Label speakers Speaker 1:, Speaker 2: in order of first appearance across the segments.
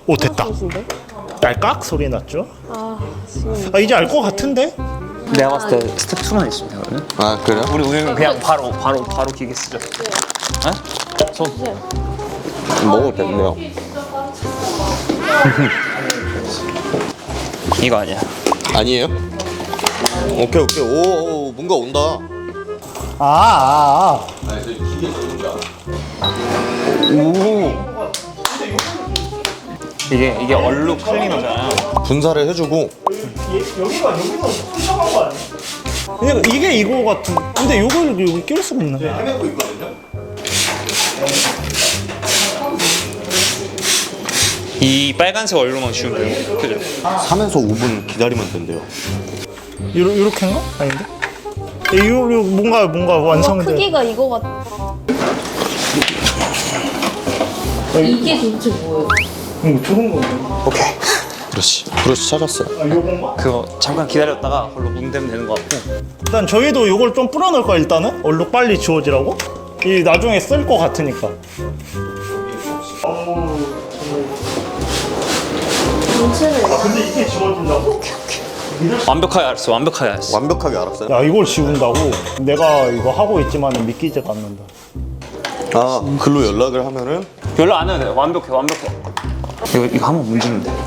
Speaker 1: 오 됐다. 딸깍 소리 났죠? 아 이제 알 것 같은데?
Speaker 2: 내가 봤을 때 스텝 2만 있습니다. 그러면
Speaker 3: 아 그래요?
Speaker 2: 우리는 그냥 바로 기계 쓰죠. 네? 손.
Speaker 3: 먹어도 됐네요.
Speaker 2: 이거 아니야.
Speaker 3: 아니에요? 오케이 오케이. 오 뭔가 온다.
Speaker 2: 오. 이게 얼룩 클리너잖아요.
Speaker 3: 분사를 해주고.
Speaker 1: 여기가 푸셔간 거 아니야? 이게 이거 같은. 근데 요걸 여기 낄 수가 없네.
Speaker 3: 헤매고 있거든요.
Speaker 2: 이 빨간색 얼룩만 지우면 돼요. 그죠?
Speaker 3: 3에서 5분 기다리면 된대요.
Speaker 1: 요렇게인가? 아닌데? 이거 뭔가 완성돼.
Speaker 4: 크기가 이거 같아. 이게 도대체 뭐예요?
Speaker 1: 좋은 거.
Speaker 2: 오케이.
Speaker 3: 그렇지 찾았어요.
Speaker 1: 요건가?
Speaker 2: 그거 잠깐 기다렸다가 그걸로 문대면 되는 것 같고.
Speaker 1: 일단 저희도 요걸 좀 뿌려놓을까 일단은? 얼룩 빨리 지워지라고? 이 나중에 쓸 거 같으니까.
Speaker 4: 전체를.
Speaker 1: 근데 이게 지워진다고?
Speaker 2: 완벽하게 알았어. 완벽하게 알았어.
Speaker 3: 완벽하게 알았어요?
Speaker 1: 야 이걸 지운다고? 내가 이거 하고 있지만 믿기지가 않는다.
Speaker 3: 아 글로 연락을 하면은
Speaker 2: 연락 안 해도 돼. 완벽해. 이거 한번 문지면 돼.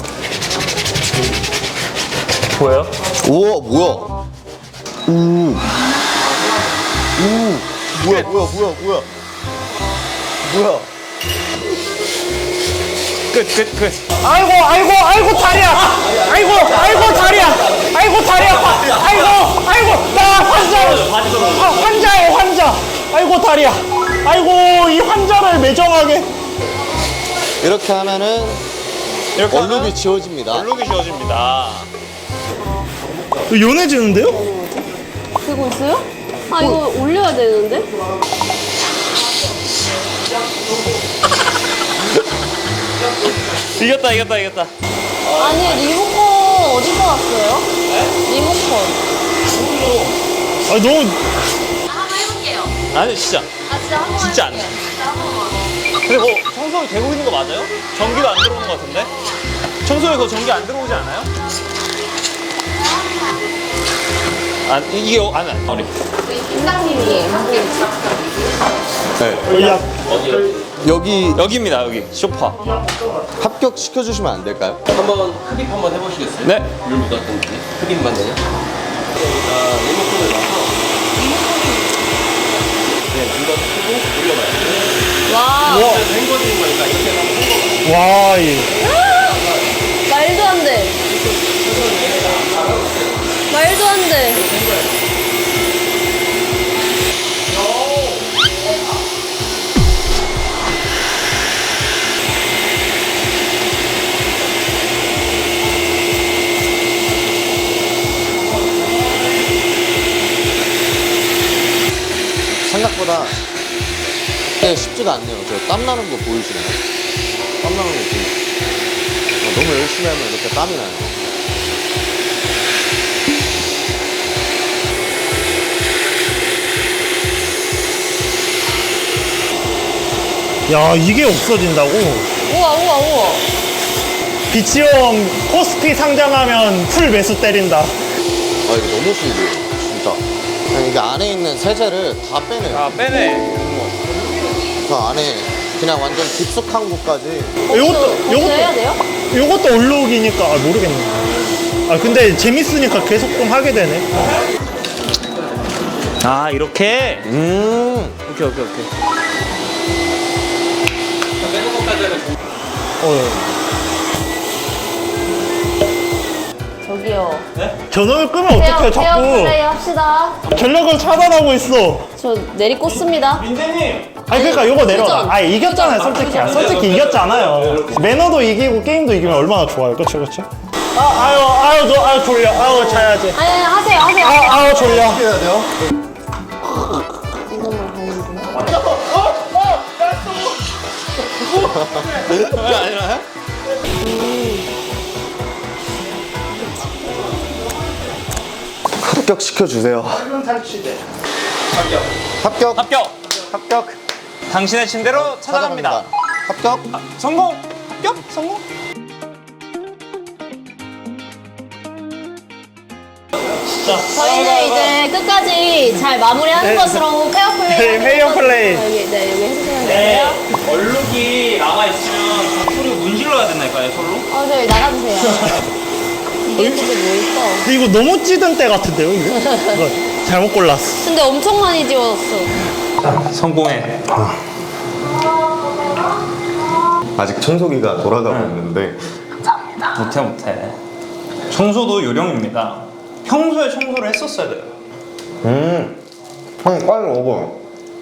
Speaker 2: 보여요?
Speaker 3: 우와 뭐야? 오 뭐야?
Speaker 2: 끝.
Speaker 1: 아이고 다리야! 아이고 다리야! 아이고 나 환자예요 환자! 아이고 다리야! 아이고 이 환자를 매정하게.
Speaker 3: 이렇게 하면은
Speaker 2: 이렇게
Speaker 3: 얼룩이 지워집니다.
Speaker 2: 얼룩이 지워집니다.
Speaker 1: 연해지는데요?
Speaker 4: 되고 있어요? 아 이거 올려야 되는데?
Speaker 2: 이겼다.
Speaker 4: 아니 리모컨 어디서 왔어요? 리모컨.
Speaker 1: 아 너무
Speaker 4: 한번 해볼게요.
Speaker 2: 아니 진짜.
Speaker 4: 아 진짜 한 번만.
Speaker 2: 진짜 안 돼. 근데 뭐 청소기 되고 있는 거 맞아요? 전기도 안 들어오는 거 같은데? 청소기 그거 전기 안 들어오지 않아요? 아 이게 안 우리
Speaker 4: 팀장님이 하고 있어.
Speaker 3: 네.
Speaker 2: 여기입니다. 여기 소파.
Speaker 3: 합격 시켜주시면 안 될까요?
Speaker 5: 한번 흡입 한번 해보시겠어요?
Speaker 2: 네.
Speaker 5: 물 묻었던지 흡입만 되냐? 자, 리모컨을 놔서 네, 이거 끄고 올려봐요.
Speaker 4: 와.
Speaker 5: 헹궈지는 거니까 이렇게 하면
Speaker 1: 와 이.
Speaker 4: 말도 안 돼. 말도 안 돼.
Speaker 3: 생각보다 쉽지가 않네요. 저 땀 나는 거 보이시나요? 땀 나는 거 보이시나요? 너무 열심히 하면 이렇게 땀이 나요.
Speaker 1: 야 이게 없어진다고?
Speaker 4: 우와.
Speaker 1: 비치형 코스피 상장하면 풀 매수 때린다.
Speaker 3: 아 이거 너무 신기해요. 진짜. 그냥 이게 안에 있는 세제를 다 빼내요.
Speaker 2: 아 빼네.
Speaker 3: 그 안에 그냥 완전 깊숙한 곳까지.
Speaker 4: 이것도 해야 돼요?
Speaker 1: 요것도 얼룩이니까 모르겠네. 아 근데 재밌으니까 계속 좀 하게 되네.
Speaker 2: 아 이렇게. 오케이.
Speaker 4: 저기요.
Speaker 1: 전원을 끄면 어떡해 자꾸.
Speaker 4: 플레이 합시다.
Speaker 1: 전력을 차단하고 있어.
Speaker 4: 저 내리꽂습니다.
Speaker 1: 민재님. 아니 그러니까 요거 내려놔.
Speaker 4: 도전.
Speaker 1: 아 이겼잖아요 솔직히 이겼잖아요. 매너도 이기고 게임도 이기면 얼마나 좋아요. 그쵸? 아유 졸려. 아유 자야지.
Speaker 4: 아니 하세요.
Speaker 1: 아유 졸려.
Speaker 3: 해야 돼요?
Speaker 4: 이것만 가는데.
Speaker 2: 아니라.
Speaker 3: 합격 시켜주세요.
Speaker 2: 합격. 당신의 침대로 찾아갑니다.
Speaker 3: 합격.
Speaker 2: 성공. 합격. 성공.
Speaker 4: 저희는 이제 끝까지 잘 마무리하는 것으로 페어플레이.
Speaker 1: 네, 페어플레이.
Speaker 4: 여기, 네, 여기 해주시면
Speaker 2: 네,
Speaker 4: 되고요.
Speaker 2: 얼룩이 남아있으면 소리 문질러야 된다니까요, 솔로?
Speaker 4: 저희 나가주세요. 이게 근데 뭐 있어?
Speaker 1: 이거 너무 찌든 때 같은데요, 이거? 이거 잘못 골랐어.
Speaker 4: 근데 엄청 많이 지워졌어.
Speaker 2: 성공해.
Speaker 6: 아직 청소기가 돌아가고 있는데
Speaker 2: 못해. 청소도 요령입니다. 평소에 청소를 했었어야 돼요.
Speaker 6: 형 빨리 먹어.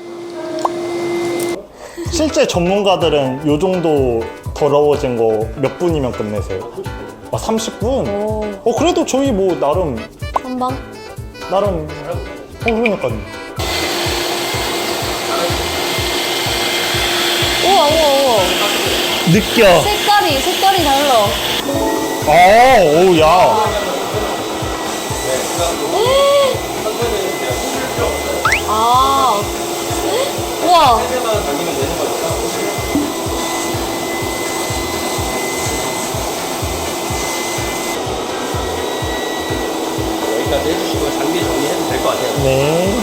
Speaker 1: 실제 전문가들은 요 정도 더러워진 거 몇 분이면 끝내세요? 아, 30분? 그래도 저희 뭐 나름
Speaker 4: 한방?
Speaker 1: 그러니까요.
Speaker 4: 우와.
Speaker 1: 느껴.
Speaker 4: 색깔이 달라.
Speaker 1: 오우, 야.
Speaker 4: 아. 우와.
Speaker 5: 여기까지 해주시고 장비 정리해도 될 것 같아요.
Speaker 1: 네.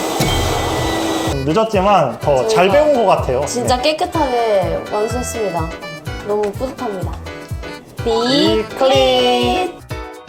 Speaker 1: 늦었지만 더 잘 배운 것 같아요.
Speaker 4: 진짜 깨끗하게 완수했습니다. 너무 뿌듯합니다. 비 클린.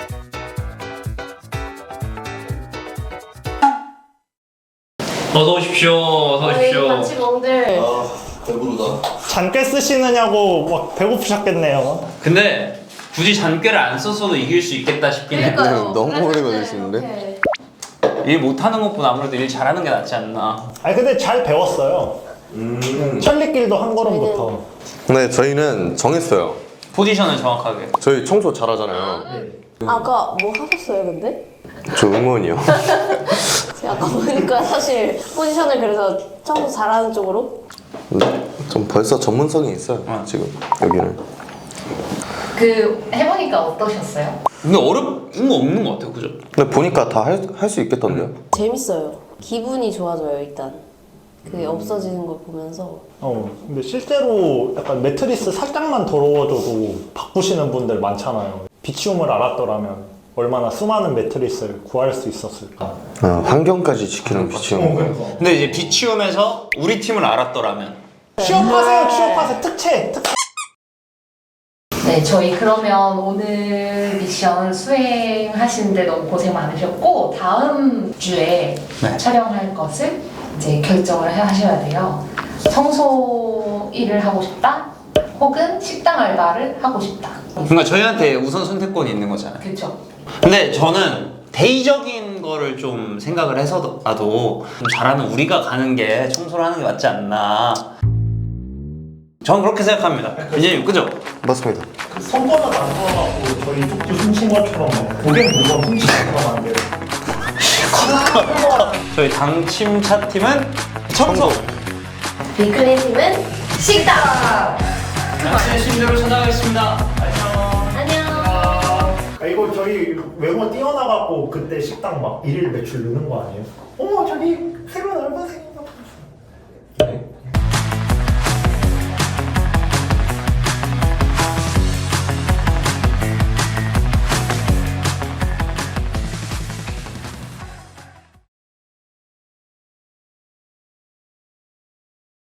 Speaker 2: 어서 오십시오.
Speaker 4: 저희 반치몽들
Speaker 5: 배부르다.
Speaker 1: 잔꽤 쓰시느냐고 막 배고프셨겠네요.
Speaker 2: 근데 굳이 잔꾀를 안 썼어도 이길 수 있겠다 싶긴 해.
Speaker 3: 너무 오래 걸리시는데?
Speaker 2: 일 못하는 것보다 아무래도 일 잘하는 게 낫지 않나.
Speaker 1: 아니, 근데 잘 배웠어요. 천리길도 한 걸음부터.
Speaker 6: 네, 저희는 정했어요.
Speaker 2: 포지션을 정확하게.
Speaker 6: 저희 청소 잘하잖아요.
Speaker 4: 아까 뭐 하셨어요, 근데?
Speaker 6: 저 응원이요.
Speaker 4: 제가 아까 보니까 사실 포지션을 그래서 청소 잘하는 쪽으로.
Speaker 6: 좀 벌써 전문성이 있어요. 지금 여기는.
Speaker 7: 그 해보니까 어떠셨어요?
Speaker 2: 근데 어려운 거 없는 것 같아요, 그죠?
Speaker 6: 근데 보니까 다 할 수 있겠던데요?
Speaker 4: 재밌어요. 기분이 좋아져요, 일단. 그게 없어지는 걸 보면서.
Speaker 1: 근데 실제로 약간 매트리스 살짝만 더러워져도 바꾸시는 분들 많잖아요. 비치움을 알았더라면 얼마나 수많은 매트리스를 구할 수 있었을까.
Speaker 6: 환경까지 지키는 비치형.
Speaker 2: 근데 이제 비치움에서 우리 팀을 알았더라면.
Speaker 1: 취업하세요. 특채.
Speaker 7: 네, 저희 그러면 오늘 미션 수행하시는데 너무 고생 많으셨고 다음 주에
Speaker 2: 네.
Speaker 7: 촬영할 것을 이제 결정을 하셔야 돼요. 청소 일을 하고 싶다, 혹은 식당 알바를 하고 싶다.
Speaker 2: 그러니까 저희한테 우선 선택권이 있는 거잖아요.
Speaker 7: 그렇죠.
Speaker 2: 근데 저는 대의적인 거를 좀 생각을 해서라도 좀 잘하는 우리가 가는 게 청소를 하는 게 맞지 않나. 전 그렇게 생각합니다. 이제 그죠?
Speaker 6: 맞습니다.
Speaker 1: 손바닥 안 들어가고 저희 쪽지 훔친 것처럼 고객 물건 훔치는 것처럼 안 돼요.
Speaker 2: 저희 당침차 팀은 청소.
Speaker 4: 비클린 팀은 식당.
Speaker 2: 당신의 심대로 찾아가겠습니다.
Speaker 4: 안녕.
Speaker 1: 이거 저희 외모 뛰어나갖고 그때 식당 막 일일 매출 느는 거 아니에요? 어머, 저기 새로운 알바생이